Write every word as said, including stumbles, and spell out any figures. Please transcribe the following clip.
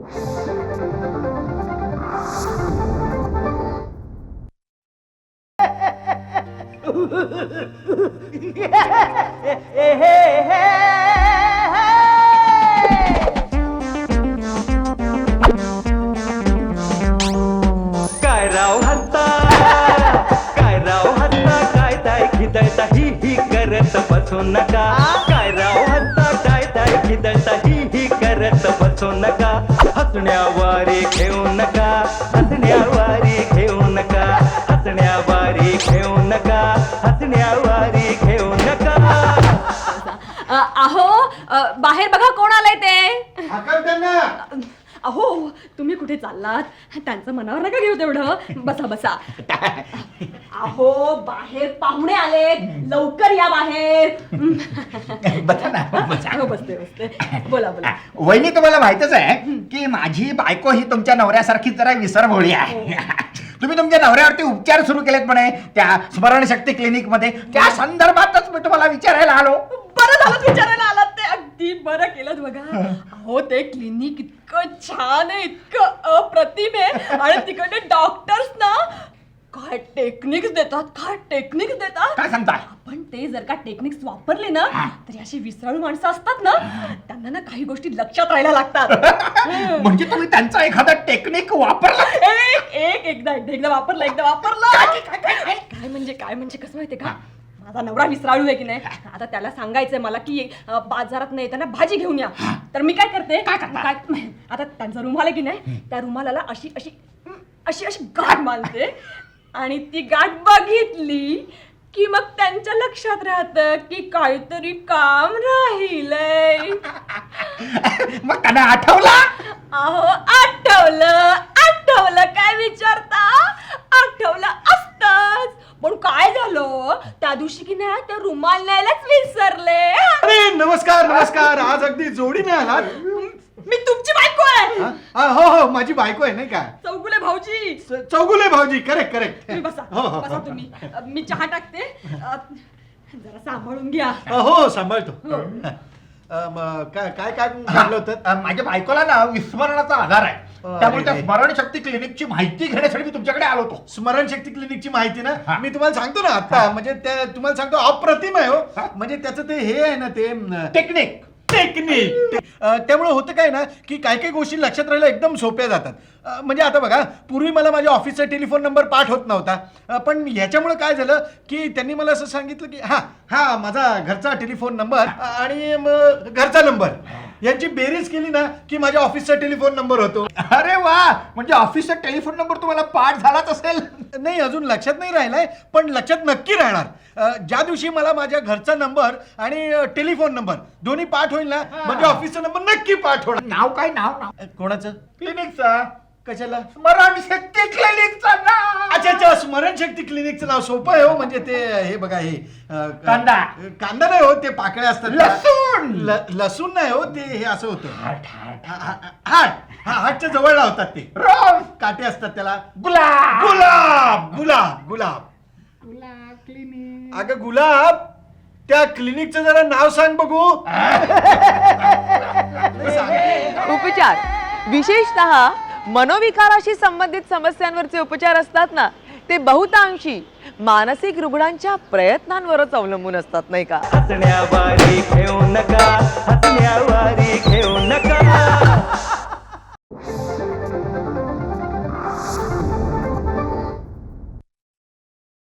काय राव हत्ता काय राव हत्ता काय ताय खिदळता ही ही करत बसू नका काय राव हत्ता काय ताय खिदळता ही ही करत बसू नका हसण्यावारे घेऊ नका हसण्यावारे घेऊ नका हसण्यावारे घेऊ नका हसण्यावारे घेऊ नका. अहो अ, बाहेर बघा कोण आलंय ते. हाकल त्यांना. अहो तुम्ही कुठे चाललात? त्यांचं मनावर नका घेऊ तेवढं. बसा बसा. अहो बाहेर पाहुणे आलेत, लवकर या बाहेर. बसा ना बसा. हो, बसते बसते. बोला बोला. वहिनी तुम्हाला माहितच आहे की माझी बायको ही तुमच्या नवऱ्यासारखी जरा विसरभोळी आहे. तुम्ही तुमच्या नवऱ्यावरती उपचार सुरू केलेत म्हणे त्या स्मरणशक्ती क्लिनिक मध्ये. त्या संदर्भातच मी तुम्हाला विचारायला आलो. बरं झालं विचारायला आलात ते. अगदी बरं केलं बघा. अहो ते क्लिनिक इतकं छान आहे, इतकं अप्रतिम आहे. आणि तिकडे डॉक्टर्स ना काय टेक्निक्स देतात, काय टेक्निक्स देतात. काय सांगताय? आपण ते जर का टेक्निक्स वापरले ना तरी अशी विसराळू माणसं असतात ना त्यांना ना काही गोष्टी लक्षात राहायला लागतात. म्हणजे तुम्ही त्यांचा एखादा टेक्निक वापरला? एक एक एकदा एकदा एकदा वापरलं एकदा वापरलं. काय म्हणजे काय म्हणजे कसं माहितीये का, माझा नवरा विसराळू आहे की नाही. आता त्याला सांगायचंय मला की अ, बाजारात नाही येताना भाजी घेऊन या. तर मी काय करते काय आता त्यांचा रुमाल आहे की नाही, त्या रुमालाला अशी अशी अशी अशी गाठ मानते आणि ती गाठ बघितली की मग त्यांच्या लक्षात राहतं की काहीतरी काम राहिलंय. मग त्यांना आठवला? अहो आठवलं आठवलं काय विचारता, आठवलं असतच. पण काय झालं त्या दिवशी की नाही ते रुमाल न्यायलाच विसरले. अरे नमस्कार नमस्कार. आज अगदी जोडीने आलात. मी तुमची बायको आहे. हा, हो हो माझी बायको आहे नाही का, चौगुले भाऊजी. च- चौगुले भाऊजी. Correct correct. तुम्ही बसा हो, हो, बसा हो. तुम्ही. अ, मी चहा टाकते. अ, जरा सांभाळून घ्या. हो सांभाळतो. हो. अ, म, काय काय काय काढलं होतं? अ, माझ्या बायकोला ना विस्मरणाचा आधार आहे. अरे त्यामुळे त्या रे. स्मरणशक्ती क्लिनिकची माहिती घेण्यासाठी मी तुमच्याकडे आलो होतो. स्मरणशक्ती क्लिनिकची माहिती ना हा. मी तुम्हाला सांगतो ना आता. म्हणजे त्या तुम्हाला सांगतो अप्रतिम आहे हो. हा. म्हणजे त्याचं ते हे आहे ना ते म, टेक्निक. टेक्निक. अ, त्यामुळे होतं काय ना की काही काही गोष्टी लक्षात राहायला एकदम सोप्या जातात. अ, म्हणजे आता बघा पूर्वी मला माझ्या ऑफिसचा टेलिफोन नंबर पाठ होत नव्हता. अ, पण ह्याच्यामुळे काय झालं की त्यांनी मला असं सांगितलं की हा हा माझा घरचा टेलिफोन नंबर आणि मग घरचा नंबर यांची बेरीज केली ना की माझ्या ऑफिसचा टेलिफोन नंबर होतो. अरे वा, म्हणजे ऑफिसचा टेलिफोन नंबर तुम्हाला पाठ झालाच असेल. नाही अजून लक्षात नाही राहिलाय पण लक्षात नक्की राहणार. अ, ज्या दिवशी मला माझ्या घरचा नंबर आणि अ, टेलिफोन नंबर दोन्ही पाठ होईल ना म्हणजे ऑफिसचा नंबर नक्की पाठ होणार. नाव काय? नाव नाव अ, कोणाचं? क्लिनिकचा. कशाला? स्मरणशक्ती क्लिनिकचा नाव. अच्छा अच्छा स्मरणशक्ती क्लिनिकचं नाव सोपं आहे हो. म्हणजे ते हे बघा हे अ, कांदा. कांदा नाही हो, ते पाकळ्या असतात. लसूण. ल- लसूण नाही हो, ते हे असं होतं. हाट, हाट. हा- हा- हाट हा हाटच्या जवळ लावतात ते. रोज. काटे असतात त्याला. गुलाब. गुलाब गुलाब गुलाब अगं गुलाब त्या क्लिनिकचं जरा नाव सांग बघू. उपचार विशेषतः मनोविकाराशी संबंधित समस्यांवरचे उपचार असतात ना ते बहुतांशी मानसिक रुग्णांच्या प्रयत्नांवरच अवलंबून असतात नाही का. हसण्यावारे घेऊ नका हसण्यावारे घेऊ नका.